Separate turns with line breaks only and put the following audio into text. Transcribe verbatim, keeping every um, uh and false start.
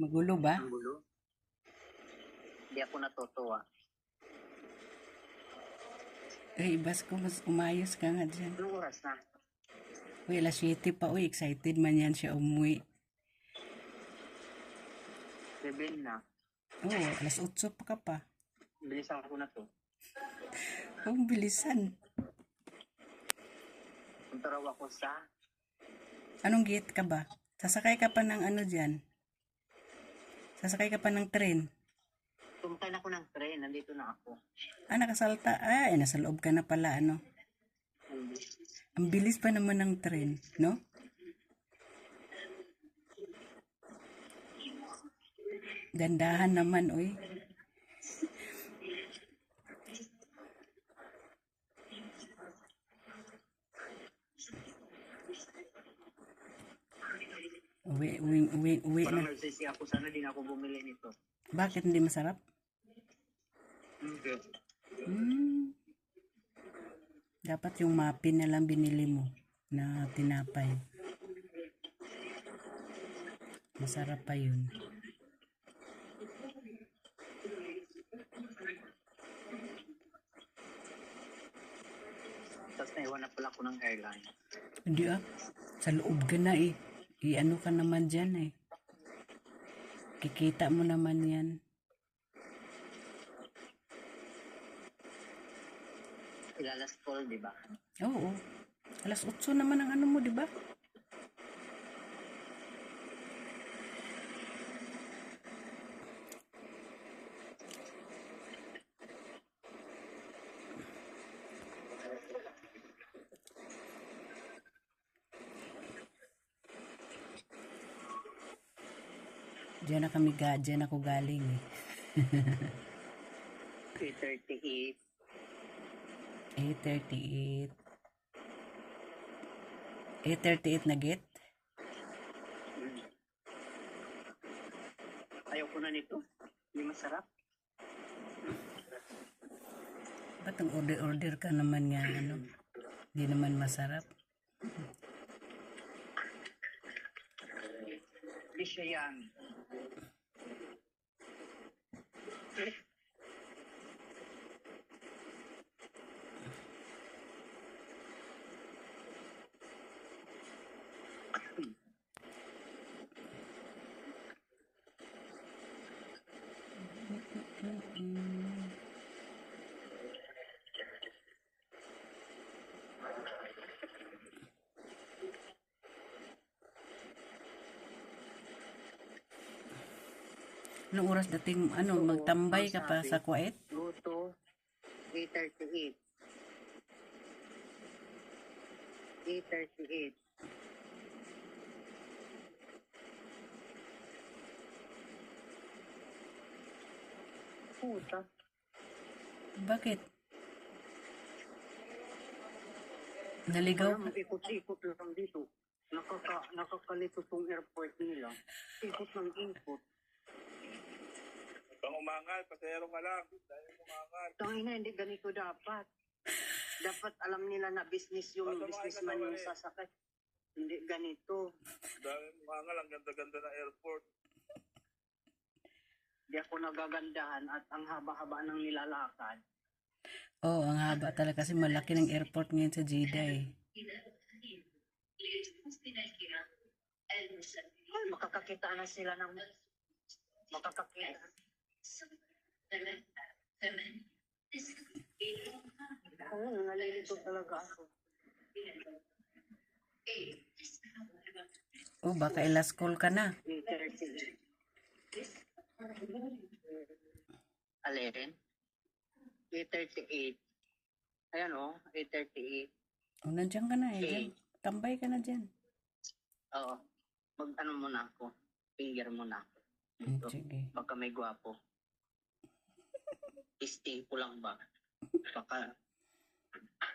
Magulo ba?
Ang gulo. Hindi ako natutuwa.
Eh, ibas ko, mas umayos ka nga dyan.
Anong oras na?
Uy, alas siyete pa, uy, excited man yan siya umuwi.
Seven na.
Oo, oh, alas otso pa ka pa.
Bilisan ko na to.
Ang bilisan.
Punta raw ako sa...
Anong gate ka ba? Sasakay ka pa ng ano dyan? Sasakay ka pa ng tren?
Tumakay na ako ng tren. Nandito na ako.
Ah, nakasalta. Ay, nasa loob ka na pala, ano? Ang bilis pa naman ng tren, no? Dandahan naman, uy. Uwi, uwi, uwi, uwi
Parang
na.
nagsisi ako. Sana din ako bumili nito.
Bakit hindi masarap?
Hindi.
Hmm. Dapat yung muffin na lang binili mo na tinapay. Masarap pa yun.
Tapos naiwan na pala ako ng airline.
Hindi ah. Sa loob ka na eh. I-ano ka naman dyan eh. Kikita mo naman yan.
Ilalas call, di ba?
Oo. Alas otso naman ang ano mo, di ba? Diyan na kami ga, diyan ako galing eh.
eight thirty-eight.
eight thirty-eight. eight thirty-eight na gate?
Hmm. Ayaw ko na nito. Hindi masarap.
Ba't ang order-order ka naman nga ano? Hindi naman masarap.
Hindi siya yan.
Anong oras dating ano,
Oo,
magtambay
ang
ka pa
sabi,
sa Kuwait?
Go to eight thirty-eight. eight thirty-eight. Puta.
Bakit? Naligaw
Parang
ka?
ikot-ikot lang dito. Nakaka, nakakalito tong airport nila. Ikot ng ikot.
Pang umangal, pasero ka lang. Dahil umangal.
Tangin na, hindi ganito dapat. Dapat alam nila na business yung
Basta
businessman
makikita
yung
ko eh.
sasakay. Hindi ganito.
Dahil umangal, ang ganda-ganda ng airport.
Hindi ako nagagandahan at ang haba-haba ng nilalakad.
Oo, oh, ang haba talaga kasi malaki ng airport ngayon sa Jeddah eh.
Ay, makakakita na sila ng... Makakakita. Oo, nalilito talaga ako.
Oh, baka ilas call ka na.
eight thirty. Alin? eight thirty-eight. Ayan o, eight thirty-eight.
Oh, nandiyan ka na eh.
Okay.
Dyan. Tambay ka na dyan.
Oo. Mag-ano muna ako. Finger muna ako.
Hmm, sige.
Baka may gwapo. Isti ko lang ba? Baka